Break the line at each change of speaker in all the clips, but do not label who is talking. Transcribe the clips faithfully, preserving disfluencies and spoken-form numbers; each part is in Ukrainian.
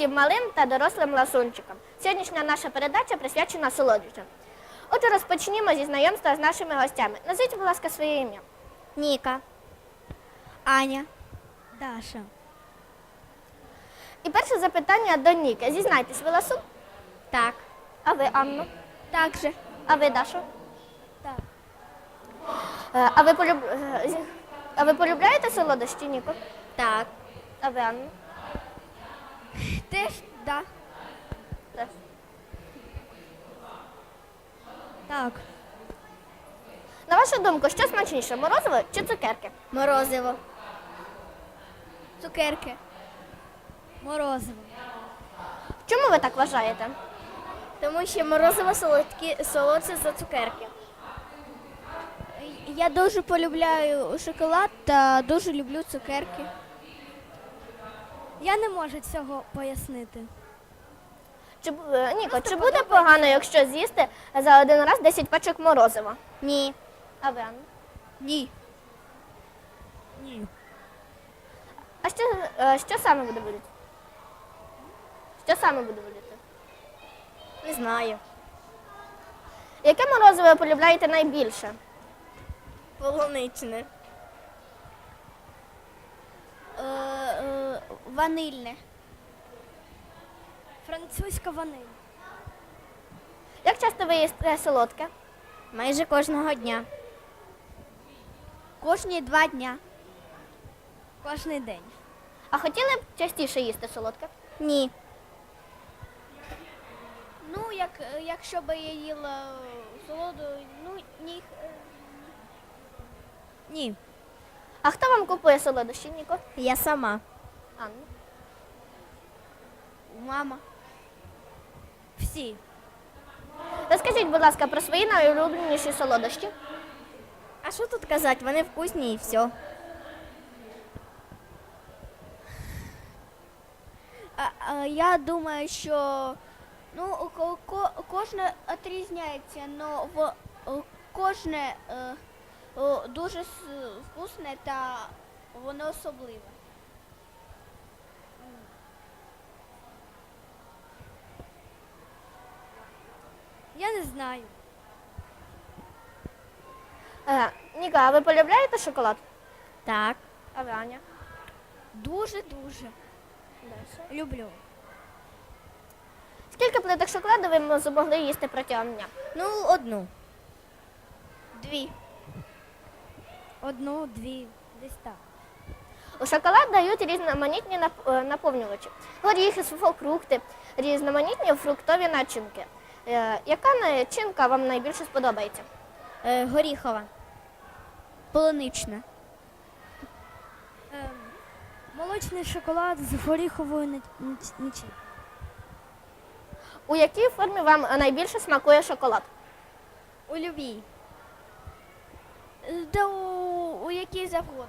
усім малим та дорослим ласунчикам. Сьогоднішня наша передача присвячена солодощам. Отже, розпочнімо зі знайомства з нашими гостями. Назвіть, будь ласка, своє ім'я.
Ніка. Аня. Даша.
І перше запитання до Ніки. Зізнайтесь, ви ласун?
Так.
А ви, Анну?
Так же.
А ви, Дашу?
Так.
Е, А ви, полюб... е, зі- а ви полюбляєте солодощі, Ніко?
Так.
А ви, Анну?
Теж да.
Теж.
Так.
На вашу думку, що смачніше, морозиво чи цукерки?
Морозиво. Цукерки. Морозиво.
Чому ви так вважаєте?
Тому що морозиво солодкі, солодше за цукерки. Я дуже полюбляю шоколад та дуже люблю цукерки. Я не можу цього пояснити.
Чи, бу- е, Ніко, чи буде погано, якщо з'їсти за один раз десять пачок морозива?
Ні.
А ви, Анна?
Ні. Ні.
А що, е, що саме буде боліти? Що саме буде боліти?
Не знаю.
Яке морозиво ви полюбляєте найбільше?
Полуничне. Е, е, ванильне. Французька ваниль.
Як часто ви їсте солодке?
Майже кожного дня. Кожні два дня. Кожний день.
А хотіли б частіше їсти солодке?
Ні. Ну, як, якщо б я їла солоду, ну, ні. Ні.
А хто вам купує солодощі, Ніко?
Я сама.
Анна.
Мама. Всі.
Розкажіть, будь ласка, про свої найулюбленіші солодощі.
А що тут казати? Вони вкусні і все. А, а, я думаю, що ну, ко- ко- кожне відрізняється, але кожне е, о, дуже с- вкусне та воно особливе. Я не знаю.
Е, Ніко, а ви полюбляєте шоколад?
Так.
А ви, Аня?
Дуже-дуже. Люблю.
Скільки плиток шоколаду ви м- змогли їсти протягом дня?
Ну, одну. Дві. Одну, дві, десь так.
У шоколад дають різноманітні нап- е, наповнювачі. Горіхи, сухофрукти, різноманітні фруктові начинки. Е, Яка начинка вам найбільше сподобається?
Е, горіхова. Полунична. молочний шоколад з горіховою начинкою.
У якій формі вам найбільше смакує шоколад?
У любій. Да у, у якій завгодно.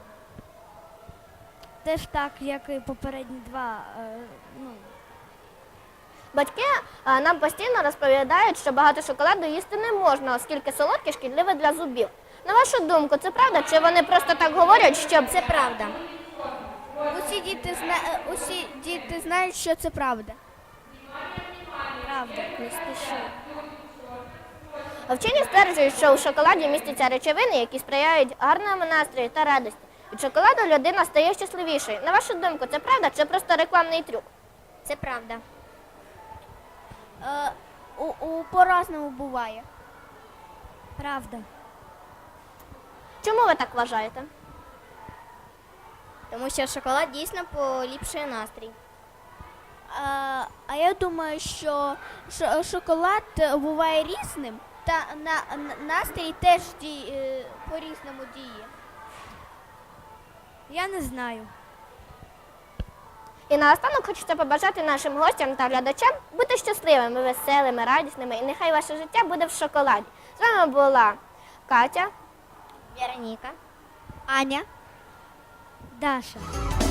Теж так, як і попередні два. Е, ну.
Батьки е, нам постійно розповідають, що багато шоколаду їсти не можна, оскільки солодке шкідливе для зубів. На вашу думку, це правда, чи вони просто так говорять, щоб...
Це правда. Усі діти, зна... Усі діти знають, що це правда. Правда, не спіши.
Вчені стверджують, що у шоколаді містяться речовини, які сприяють гарному настрою та радості. Від шоколаду людина стає щасливішою. На вашу думку, це правда чи просто рекламний трюк?
Це правда. Е, у, у, по-разному буває. Правда.
Чому ви так вважаєте?
Тому що шоколад дійсно поліпшує настрій. А, а я думаю, що ш- шоколад буває різним, та на, на настрій теж ді, е, по-різному діє. Я не знаю.
І наостанок хочеться побажати нашим гостям та глядачам бути щасливими, веселими, радісними, і нехай ваше життя буде в шоколаді. З вами була Катя,
Вероніка, Аня, Даша.